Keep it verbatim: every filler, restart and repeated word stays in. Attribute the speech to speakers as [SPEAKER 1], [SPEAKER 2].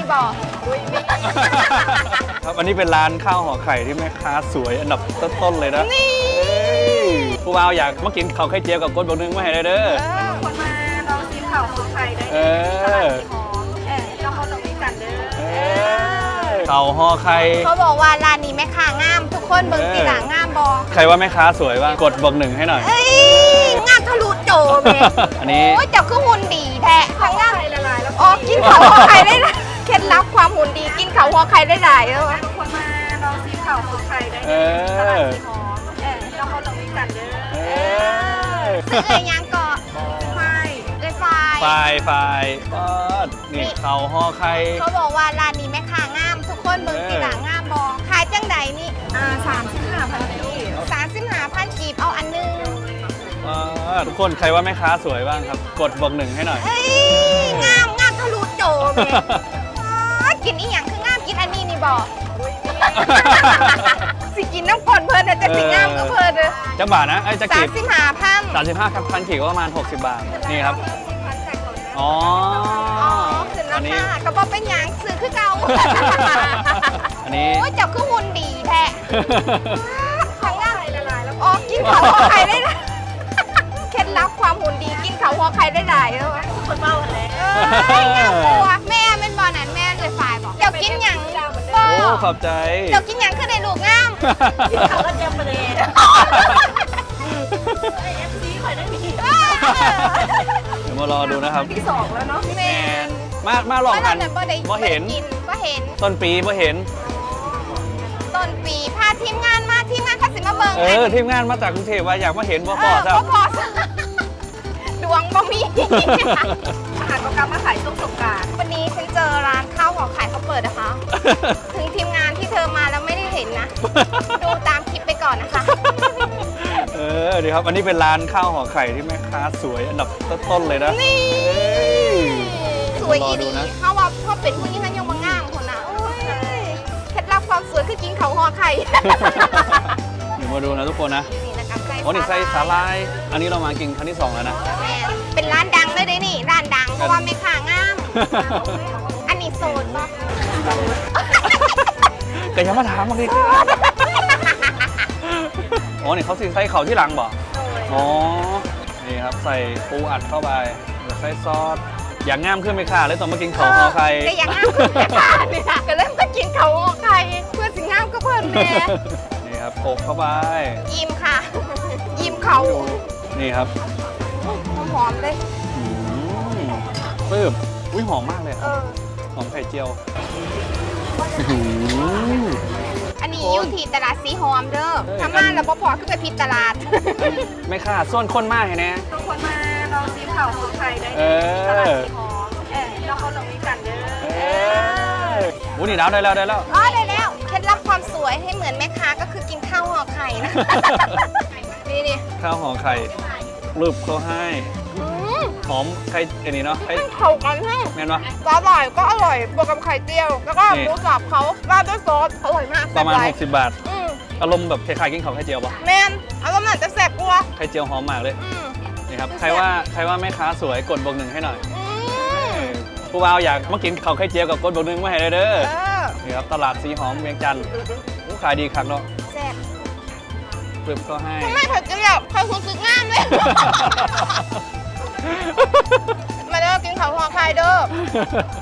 [SPEAKER 1] บอก
[SPEAKER 2] ครับอันนี้เป็นร้านข้าวห่อไข่ที่แม่ค้าสวยอันดับต้นๆเลยนะนี่ผู้บ่าวอยากมากินข้าวไข่เจียวกับกดบอกนึงมาให้ได้เด้อ
[SPEAKER 1] คนมาลองชิมข้าวห่อไข่ได้
[SPEAKER 2] เออ
[SPEAKER 1] หอมเออแล้วเขาต้องมีกันเด้อ
[SPEAKER 2] ข้าวห่อไข่
[SPEAKER 1] เขาบอกว่าร้านนี้แม่ค้างามทุกคนเบิ่งตีหลังงามบอ
[SPEAKER 2] ใครว่าแม่ค้าสวยบ้างกดบอกหนึ่งให้หน่อย
[SPEAKER 1] เอ้ยงามทะลุโจมเลย
[SPEAKER 2] อันนี้
[SPEAKER 1] โอ้ยเจ้าคือหุ่นดีแท้ทั้งงามละลายแล้วอ๋อกินข้าวห่อไข่ได้นะเคล็ดลับความหุ่นดีกินข้าวห่อไข่ได้หลายแล้วคนมาลองชิมข้าวห่อไข่ได้
[SPEAKER 2] เออ
[SPEAKER 1] หอมเออแล้วเขาต้องมีกันเด้อ
[SPEAKER 2] เออ
[SPEAKER 1] ซื้อเอ้ยยังเกาะไฟเอ้ยไฟ
[SPEAKER 2] ไฟไฟก็นี่ข้าวห่อไข่
[SPEAKER 1] เขาบอกว่าร้านนี้แม่ค้างามทุกคนเบิ่งตีหลังงามบอขายจังใดนี่อ่าสามสิบห้าพันกีบสามสิบห้าพันกีบเอาอันนึง
[SPEAKER 2] ทุกคนใครว่าแม่ค้าสวยบ้างครับกดบอกหนึ่งให้หน่อย
[SPEAKER 1] เอ้ยงามงามทะลุโจมเลยอ๋อกินอีหยังคืองามกินอันนี้นี่บอกสิกินน้ำก่อนเพลินนะจะสิงามก็เพลินเลย
[SPEAKER 2] จะบาทนะไอ้จะ
[SPEAKER 1] สา
[SPEAKER 2] กี
[SPEAKER 1] ม
[SPEAKER 2] บ
[SPEAKER 1] สิบห้าพัน
[SPEAKER 2] สามสิบห้าพันขีดก็ประมาณหกสิบบาทนี่ครับอ๋อ
[SPEAKER 1] อ๋อขึ้นรา
[SPEAKER 2] อันนี้
[SPEAKER 1] คาก็บอกเป็นหยังซื้อคือเก่า
[SPEAKER 2] อันนี้
[SPEAKER 1] โอ้ยเจับคือหุ่นดีแท้ทั้งงามละลายแล้วอ๋อกินข้าวห่อไข่ได้นะเคล็ดลับความหุ่นดีกินข้าวห่อไข่ได้หลายแล้วคนเมาอะไรเอ้ยงามกลัวแม่เป็นบอนั้นแม่เลยฝ่ายบอกเดี๋ยวกินหยังบอ
[SPEAKER 2] โอ้ขอบใจ
[SPEAKER 1] เดี๋ยวกินหยังคือได้ลูกงามกินข้าวก็เจียมไปเลยเอฟซีคอยได้มี
[SPEAKER 2] เดี๋ยวมารอดูนะครับ
[SPEAKER 1] ที่สองแล้วเนาะแมน
[SPEAKER 2] มามาหลอกกัน
[SPEAKER 1] บ่ได้
[SPEAKER 2] บ่เห็น
[SPEAKER 1] กินบ่เห็น
[SPEAKER 2] ต้นปีบ่เห็น
[SPEAKER 1] ต้นปีพาทีมงานมาทีมงานเขาสิมาเบิ่ง
[SPEAKER 2] เออทีมงานมาจากกรุงเทพว่าอยากมาเห็นบ่พอ
[SPEAKER 1] เอ
[SPEAKER 2] ซะ
[SPEAKER 1] อบ่พอซะดวงบ่มีอาหารประกำมาขายช่วงสงกรานต์วันนี้ฉันเจอร้านข้าวห่อไข่เขาเปิดนะคะ ถึงทีมงานที่เธอมาแล้วไม่ได้เห็นนะ ดูตามคลิปไปก่อนนะคะ
[SPEAKER 2] เออดีครับอันนี้เป็นร้านข้าวห่อไข่ที่แม่ค้าสวยอันดับต้นๆเลยนะ
[SPEAKER 1] นี่
[SPEAKER 2] เอ้ย
[SPEAKER 1] สวยอี
[SPEAKER 2] รอดู
[SPEAKER 1] ดี
[SPEAKER 2] นะ
[SPEAKER 1] เขาว่าพ่อเป็นผู้นี้ท่านยังมางามคนนะโอ้ยเคล็ดลับความสวยคือกินเขาห่อไข่
[SPEAKER 2] เดี๋ยวมาดูนะทุกคนนะ
[SPEAKER 1] นี่นะคะไส้
[SPEAKER 2] โอ้นี่ไส้สาลาย อันนี้เรามากินครั้งที่สองแล้วนะ
[SPEAKER 1] แม่เป็นร้านดังเลยเด้นี่ ร้านดังเพราะว่าแม่ค้างาม อันนี้โซนปะ
[SPEAKER 2] แต่ยังมาถามบางทีอ๋อนี่เขาสิใส่เขาที่หลังบ่อ๋อ นี่ครับใส่ปูอัดเข้าไปใส่ซอส อย่างงามขึ้นไหมค่ะเลยต้องมากินของห่อไข่
[SPEAKER 1] ก็อย่างงามคือแม่ค้าเนี่ยก็เริ่มก็กินเขาห่อไข่เพื่อสิงามก็เพิ่นแม่
[SPEAKER 2] นี่ครับโขกเข้าไป
[SPEAKER 1] ยิ้มค่ะ ยิ้มเขา
[SPEAKER 2] นี่ครับ
[SPEAKER 1] หอมๆเลย
[SPEAKER 2] อืมปื้บอุ้ยหอมมากเลย
[SPEAKER 1] เออ
[SPEAKER 2] หอมไข่เจียว
[SPEAKER 1] อันนี้อยู่ที่ตลาดสีหอมเด้อถ้ามาแล้วบ่พอคือไปผิดตลาด
[SPEAKER 2] ไม่ค่ะส่วนคนมากเห็นไหม
[SPEAKER 1] ทุกคนมาลองชิมข้าวห่อไข่ได้
[SPEAKER 2] เออ
[SPEAKER 1] ตลาดสีหอมเออแล้วเขาต้องมีกันเด้อ
[SPEAKER 2] เอออุ้ยนี่แล้วได้แล้วได้แล้ว
[SPEAKER 1] อ๋อได้แล้วเคล็ดลับความสวยให้เหมือนแม่ค้าก็คือกินข้าวห่อไข่นะ นี่ดิ
[SPEAKER 2] ข้าวห่อไข่รูปเขาให้
[SPEAKER 1] อืม
[SPEAKER 2] หอมไข่อันนี้เนาะไข่
[SPEAKER 1] มันเข้ากันแห้ง
[SPEAKER 2] แม่นปะ
[SPEAKER 1] ก็อร่อยก็อร่อยบวกกับไข่เจียว แล้วก็
[SPEAKER 2] นี่
[SPEAKER 1] หมูสับเขาราดด้วยซอสอร่อยมาก
[SPEAKER 2] ประมาณ
[SPEAKER 1] แซ่บหลย
[SPEAKER 2] หกสิบบาท
[SPEAKER 1] อืม
[SPEAKER 2] อารมณ์แบบคล้ายๆกินข้าวไข่เจียวปะ
[SPEAKER 1] แมนอารมณ์น่าจะแซ่บกว่า
[SPEAKER 2] ไข่เจียวหอมมากเลย
[SPEAKER 1] อืม
[SPEAKER 2] นี่ครับ
[SPEAKER 1] แซ่บ
[SPEAKER 2] ใครว่าใครว่าแม่ค้าสวยกดบวกหนึ่งให้หน่อย
[SPEAKER 1] อื
[SPEAKER 2] เอ
[SPEAKER 1] ม
[SPEAKER 2] อผู้บ่าวอยากมากินข้าวไข่เจียวกับกดบวกหนึ่งมาให้ได้เด้อ
[SPEAKER 1] เออ
[SPEAKER 2] นี่ครับตลาดสีหอมเวียงจันทร์อู้ขายดีคักเนาะ
[SPEAKER 1] แซ่บ
[SPEAKER 2] ปรึบเขาให้
[SPEAKER 1] ทำไมไข่เจียวไข่คุณสึกงามเลย มาเด้อกินข้าวห่อไข่เด้อ